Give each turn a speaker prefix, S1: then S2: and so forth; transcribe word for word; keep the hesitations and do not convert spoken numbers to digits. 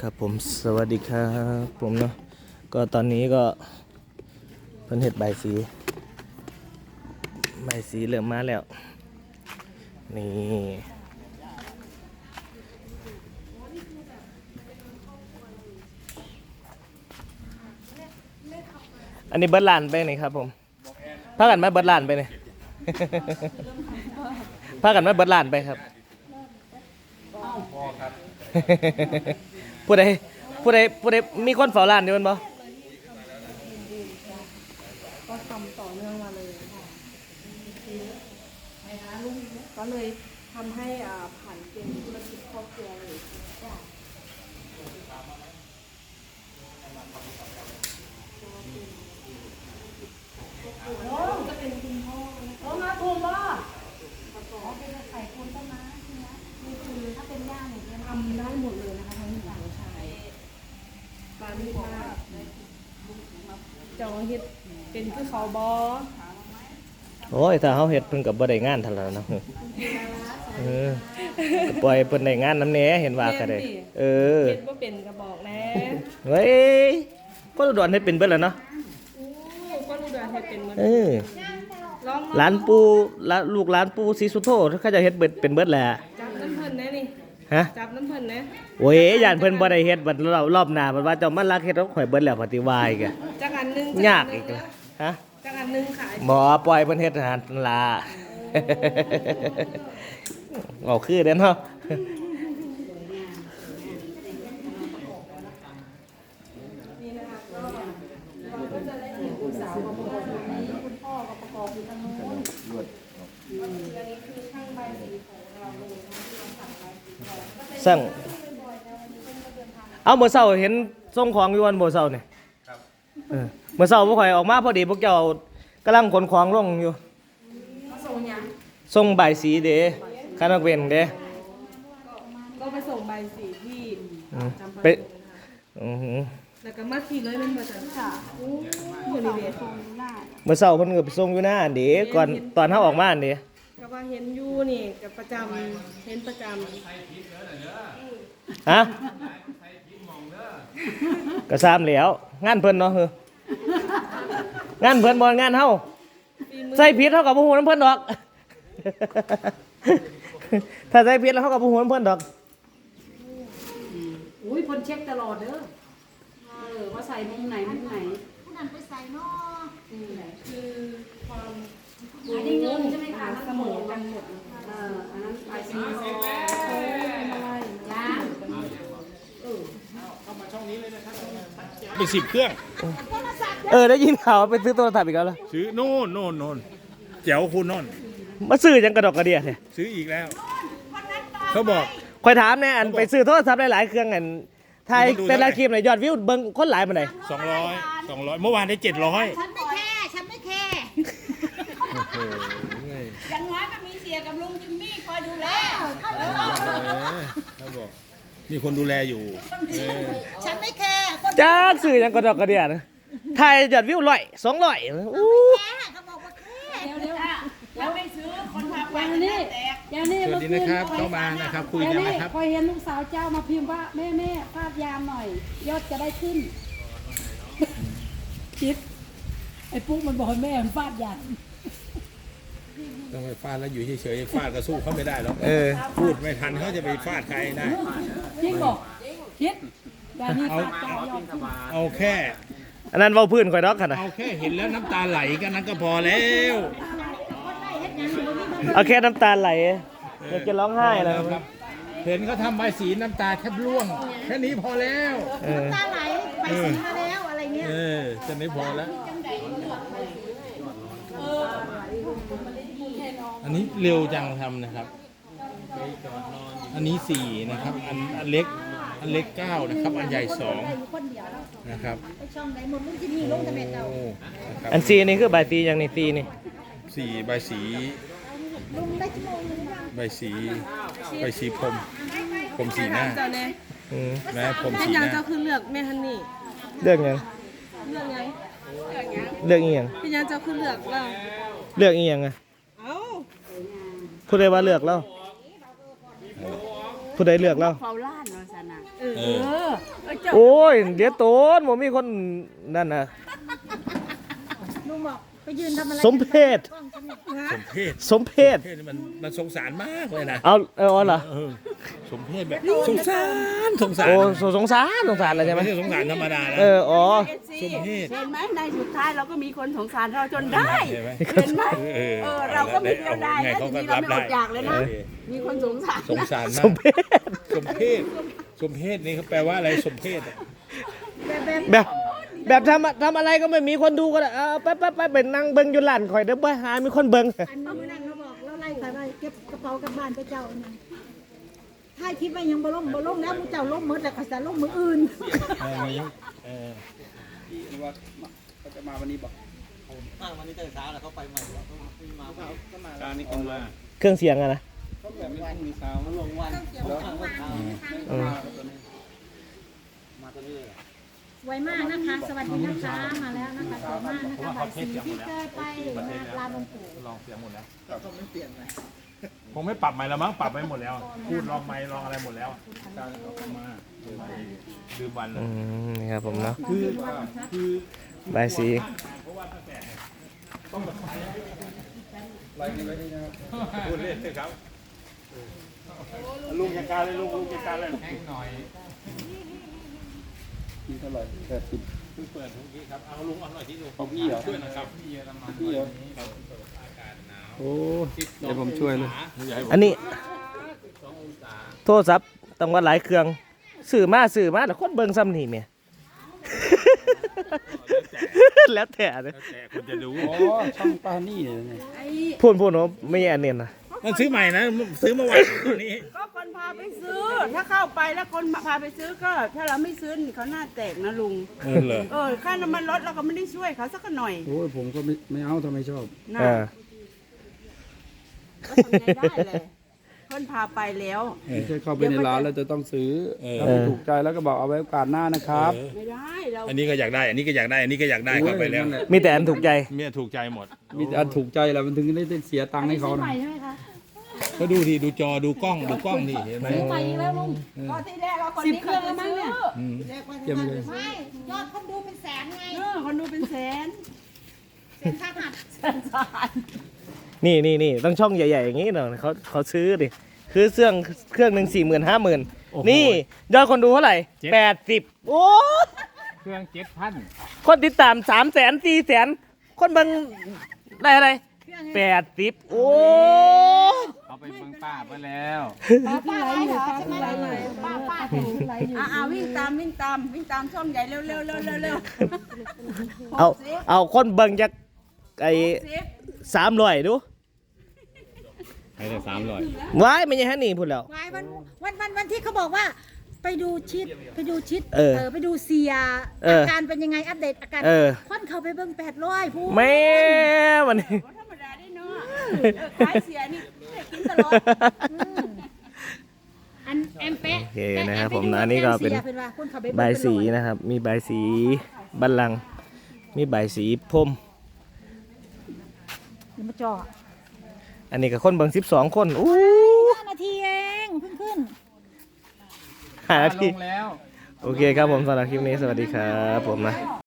S1: ครับผมสวัสดีครับผมเนาะก็ตอนนี้ก็เพิ่นเฮ็ดใบสีใบสีเริ่มมาแล้วนี่อันนี้เบิดล้านไปนี่ครับผมพากันมาเบิดล้านไปนี่ พากันมาเบิดล้านไปครับผู้ใดผู้ใดผู้ใดมีคนเฝ้าร้านอยู่มั้ยบ่
S2: ก็ทำต่อเนื่องมาเลยค่ะนะคะลูกก็เลยทำให้อ่าผ่านเป็นธุรกิจครอบครัวเลยค่ะจะเป็นคุณพ่อโอ้มาถูกป่ะเป็นไข่คนต้นไม้ใช่ไหมนี่คือถ้าเป็นย่างเนี่ยทำได้หมดเลยนะคะทั้งหญิงทั้งชายปลาลูกมากจองเฮ็ดเป็นคือเขาบอ
S1: โอ้ยถ้าเฮาเฮ็ดเพิ่นก็บ่ได้งานเท่านั้นเนาะเออก็ปล่อยเพิ่นได้งานนำแหน่เห็นว่าก็ได้เออ
S2: เฮ็ดบ่เป็นก็บอกแน่
S1: เฮ้ยคนอุดรเฮ็ดเป็นเบิดแล้วเนาะ
S2: อู้ก็รู้ได้เฮ็ดเป็นหมด
S1: เออ
S2: ลอง
S1: หลานปู่ลูกหลานปู่ศรีสุโธเขาจะเฮ็ดเบิดเป็นเบิดแหละ
S2: จับน้ำเพิ่นแน่นี่
S1: ฮะ
S2: จับน้ำเพิ่นแน่
S1: โอ้ยย่านเพิ่นบ่ได้เฮ็ดบัดรอบรอบหน้าบัดว่าเจ้ามาลักเฮ็ดของข่อยเบิดแล้วปฏิวายกะ
S2: จักอันนึง
S1: ยากอีกละฮะ
S2: จักอันนึงขาย
S1: หมอปล่อยเพิ่นเฮ็ดอาหารนั่นล่ะเอาคือเด้อเนาะ
S2: นี่นะคะก็เราก็จะได้เห็นลูกสาวมาประกอบอยู่ตรงนี้คุณพ่อก็ประกอบอยู่ตรงนู้นอันนี้คือช่างใบสีของเราเลยนะที่เราสั่งใบสีของก็เป็น
S1: สั่ง
S2: บ่อยๆนะวันนี้เพิ่นก็เดินทาง
S1: เอาเมื่อเช้าเห็นส่งของอยู่วันเมื่อเช้านี่ครับเออเมื่อเช้าพวกข่อยออกมาพอดีพวกเจ้ากำลังขนของลงอยู่
S2: มาส่งหยัง
S1: ส่งใบายสีเด้คณะเวนเด้
S2: ก็ไปส่งใบสีที่
S1: อืม
S2: จำ
S1: ไป
S2: ปา
S1: อือหือ
S2: แล้วก็มาขี่เลยมันมาจากค่ะโอ้โหนี่เด้
S1: เมื่อเช้าเพิ่นก็ไปส่งอยู่หน้าอันเด้ก่อนตอนเฮาออกมาอันเด้
S2: ก็ว่าเห็นอยู่นี่กับประจำเห็นประจำ
S1: ฮะก็ซ้ำแล้วงานเพิ่นเนาะเฮ้องานเพิ่นบ่งานเฮาใส่ผิดเฮาก็บ่ฮู้นำเพิ่นดอก ถ้าใส่ผิดแล้วเฮาก็บ่ฮู้นำเพิ่นดอก
S3: อุ้ยคนเช็คตลอดเด้อเออว่าใส่มุมไหนมุมไหน
S4: ผู้นั้นไปใส่นอ
S2: คือความ
S3: อันนี้เงินใช่ไหมคะ
S2: เสมอกันหมด
S3: เอออันนั้นไปซี
S2: เออเป็นอะไร
S3: จ้า
S5: ไปสิบเครื่อง
S1: เออได้ยินข่าวว่าไปซื้อโทรศัพท์อีกแล้วเหรอ
S5: ซื้อโน่นโน่นโน่นแจ๋วคุณโน่น
S1: มาซื้อจังกระดอกกระเดียแท้
S5: ซื้ออีกแล้ว เขาบอก
S1: ข่อยถามแน่อันไปซื้อโทรศัพท์หลายๆเครื่องอันถ่ายแต่ละคลิปน่ะยอดวิวเบิ่งคนหลายปานใด
S5: สองร้อยสองร้อยเมื่อวานได้เจ็ดร้อย
S4: ฉันไม่แค่ฉันไม่แค่อย่างน้อยก็มีเสียกับลุงจิมมี่คอยดูแล
S5: เขาบอกมีคนดูแลอยู่เออ
S4: ฉันไม่แค่คน
S1: จักซื้อจังกระดอกกระเดียนะถ่ายยอดวิวร้อยสองร้อยอู้
S4: แค่เขาบอกว่าแค่
S3: เดี๋ยวเดี๋ยว
S4: แล้วไม่ซื้อคนพาไป
S3: อย่างนี้อย่างนี้
S5: สวัสดีนะครับเข้ามานะครับคุย
S3: อย่าง
S5: กัน
S3: นี้
S5: นะครับ
S3: คอยเห็นลูกสาวเจ้ามาพิมพ์ว่าแม่แม่ฟาดยามหน่อย ยอดจะได้ขึ้น คิด ไอ้ปุ๊กมันบอกให้แม่มันฟาดยาม
S5: ต้องไปฟาดแล้วอยู่เฉยๆฟาดก็สู้เขาไม่ได้หรอก
S1: เออ
S5: พูดไม่ทันเขาจะไปฟาดใครได้
S3: จริงบอกคิดอย่างนี้ฟาดเจ้ายอดขึ้น
S5: เอาแค่
S1: อันนั้นเว้าพื้นข่อยดอกคั่นน่ะ
S5: เอาแค่เห็นแล้วน้ำตาไหลกันนั้นก็พอแล้ว
S1: เอาแค่น้ำตาไหลอยากจะร้องไห้แล้ว
S5: ครับ เห็นเขาทำใบสีน้ำตาแทบร่วง แค่นี้พอแล้ว
S1: เออ
S4: ตาไหลไปสีมาแล้วอะไรเงี้ย
S5: เออจะไม่พอแล้ว อันนี้เร็วจังทำนะครับ อันนี้สี่นะครับ อันอันเล็ก อันเล็กเก้านะครับ อันใหญ่สอง
S4: คนเดียวแล้ว
S5: นะครับ
S4: ไปช่องไหนหมดลุงจิมมี่ลงแต่เบ็ดเรา
S5: โอ้นะครับ
S1: อันซีนี่คือใบตีอย่างนี้ตีนี่
S5: สี่ใบสี
S4: ลุงได้ชั่วโมงนึงยัง
S5: ใบสี ใบสีพรมพรมสีหน้า
S2: เจ้าเนี่ย
S1: อืม
S5: แม่พรม
S2: เป็น
S5: สี
S2: ยั
S5: ห
S2: ง
S5: น้า
S2: เจ้าคือเลือกแม่ฮันนี่
S1: เลือกหยัง
S2: เลือกไง
S1: เลือกอีหยัง
S2: เป็นยังเจ้าคือเลือกเรา
S1: เลือกอีหยังอะ
S2: เอ้า
S1: ผู้ใดว่าเลือกเราผู้ใดเลือกเรา
S3: เฝ้าล้านวาสนา
S2: เออ
S5: เอ
S3: เอ
S5: อ
S3: อ
S1: โอ้ยเดี๋ยวโตนบ่มีคนนั่นน่ะ
S4: ลุงบอกไปยืนทำอะไร
S1: สมเพศ
S4: กล้องฉันเนี่ย
S5: สมเพศ
S1: สมเพศ
S5: เพศนี่มันมันสงสารมากเลยนะ
S1: เอาเอาเอาเหรอ
S5: เออสมเพศแบบสงสารสงสาร
S1: โอ้สสงสารสงสารอะไรใช่ไหม
S5: ไม่ใช่สงสารธรรมดานะ
S1: เอออ๋อ
S5: สมเพศ
S2: เห็นไหมในสุดท้ายเราก็มีคนสงสารเราจนได้
S5: เห็นไหม
S2: เห็นไหม
S5: เออ
S2: เออเราก็มีเดียวได้
S5: ไง
S2: นะ
S5: เขา
S2: ที
S5: ก็
S2: นี้เรา
S5: รับ
S2: ไม่อ
S5: ได้
S2: ดอยากเลยนะ
S5: เออ
S2: มีคนสงสาร
S5: สงสาร
S1: ส
S5: มาก
S1: มเพศ
S5: สมเพศสมเพศนี่เขาแปลว่าอะไรสมเพศอะ
S4: แบบแบบ
S1: แบบแบบทำทำอะไรก็ไม่มีคนดูก็ได้เอาไปไปไปไปนั่งเบิ่งอยู่ร้านข่อยเด้อบ่หามีคนเบิ่ง
S4: อันนี้นั่นเขาบอกเราไล่ใครไปเก็บกระเป๋ากลับบ้านไปเจ้าเนี่ยถ้าคิดว่ายังบ่ล่มบ่ล่มแล้วมึงเจ้าล่มมืดแล้วก็จะล่มมืออื่น
S5: เออมันยังเออ การนี่คนมา
S1: เครื่องเสียงอะนะเออ
S4: สวยมากนะคะ สวัสดีนะคะมาแล้วนะคะสวยมากนะคะบัตรสีที่เจอไปลานหลวงปู่
S5: ลองเสียงหมดแล้วคงไม่ปรับใหม่แล้วมั้งปรับไปหมดแล้ว พูดลองไมค์ลองอะไรหมดแล้วการออกมาดืมวัน
S1: อืมนี่ครับผมเนาะ
S5: คือคือ
S1: ใบายสี
S5: พูดเล่นเลยครับลุงจัดการเลยลุงลุงจัดการเลยแห้งหน่อยนี่เท่าไหร่แปดสิบเพิ่งเปิดเมื่อกี้ครับเอาลุงเอาหน่อยที่ลุงเอาพี่เหรอช่วยนะครับพี่เยอรมันพี่เหรอโอ้เดี๋ยวผมช่วยเลย
S1: อันนี้โทรศัพท์ต้องว่าหลายเครื่องสื่อมาสื่อมาแล้วคนเบิ่งซ้ำนี่แม่ แล้วแต่นะ
S5: แต่คนจะดู
S6: อ๋อช่องปานี่เนี่ย
S1: พูดพูดเนาะไม่ใช่อันเนี้ยนะ
S5: มันซื้อใหม่นะซื้อเมื่อวานตัวนี้
S2: ก็คนพาไปซื้อ ถ้าเข้าไปแล้วคนพาไปซื้อก็ ถ้าเราไม่ซื้อนี่เขาหน้าแตกนะลุง
S5: เออเหรอ
S2: เออค่าน้ำมันรถเราก็ไม่ได้ช่วยเขาสักหน่อย
S6: โอ้ยผมก็ไม่ไม่เอาทำไมชอบ
S2: นะ
S1: เออ
S2: ก็ทำไงได้เลยคนพาไปแล้ว
S6: ไม่ใช่เข้าไปในร้านแล้วจะต้องซื้อ
S5: เออ
S6: ถ้าไม่ถูกใจแล้วก็บอกเอาไว้โอกาสหน้านะครับ
S2: ไม่ได้เรา
S5: อันนี้ก็อยากได้ อันนี้ก็อยากได้ อันนี้ก็อยากได้เข้าไปแล้ว
S6: โอ้ยนั่นหะ
S1: มีแต่อันถูกใจ
S5: เมียถูกใจหมด
S6: มีแต่อันถูกใจแหละมันถึงได้เสียตังค์ให้เขานะ
S5: ก็ดูทีดูจอดูกล้องดูกล้องนี่เห็นไหม
S2: ก็ที่แรกเราคนนี้เครื่องแล้วมั้งเนี่ย
S5: อืม
S6: เยี่ยมเลย
S4: ไม่ยอดคนดูเป็นแสนไง
S2: เออคนดูเป็นแสน
S4: เสียค่าหัด
S2: แสนสาน
S1: นี่นี่นี่ต้องช่องใหญ่ๆอย่างนี้เนาะเขาเขาซื้อดิคือเครื่องเครื่องหนึ่งสี่หมื่นห้าหมื่นนี่ยอดคนดูเท่าไหร่แปดสิบโอ้
S6: เครื่องเจ็ดพัน
S1: คนติดตามสามแสนสี่แสนคนเบิ่งได้อะไรแปดสิบโอ้
S6: เอาไปเบิ่งป้าไปแล้ว
S4: ป้าป้าไรเหรอใช่ไหมป้าป้าแต่งไรอยู่
S2: อ่าอ่าวิ่งตามวิ่งตามวิ่งตามช่องใหญ่เร็วเร็วเร็วเร็วเร็ว
S1: เอาเอาคนเบิ่งจากไอ้
S2: สิบ
S1: สามร้อยดู
S5: ให้ได้สามร้อย
S1: ว้ายไม่ใช่ฮันนี่พูดแล้ว
S4: วายวันวันวันวันที่เขาบอกว่า ไปดูชิดไปดูชิด
S1: เออ
S4: ไปดูเสีย
S1: เออ
S4: อาการเป็นยังไงอัปเดตอาการ
S1: เออ
S4: ค่อนเขาไปเบิ่งแปดร้อยผู้
S1: แม่วันนี้
S2: ธรรมดาได้เนาะเออขายเสียนี่ได้กินตลอด
S4: อันแอมเป๊ะ
S1: โอเคนะครับผมนะอันนี้ก็เป็น
S4: สียว่าคนเขาไปเง
S1: ใบายสี
S4: เป็นร้อย
S1: นะครับ มีใบายสีบัลลังก์มีใบายสีพรม
S4: เดี๋ยวมาจ่อ
S1: อันนี้ก็คนเบิ่งสิบสองคนอู้
S4: ห้านาทีเองเพิ่งขึ้น
S1: ห้านาที
S6: ลงแล้ว
S1: โอเคครับผมสำหรับคลิปนี้สวัสดีครับผมนะ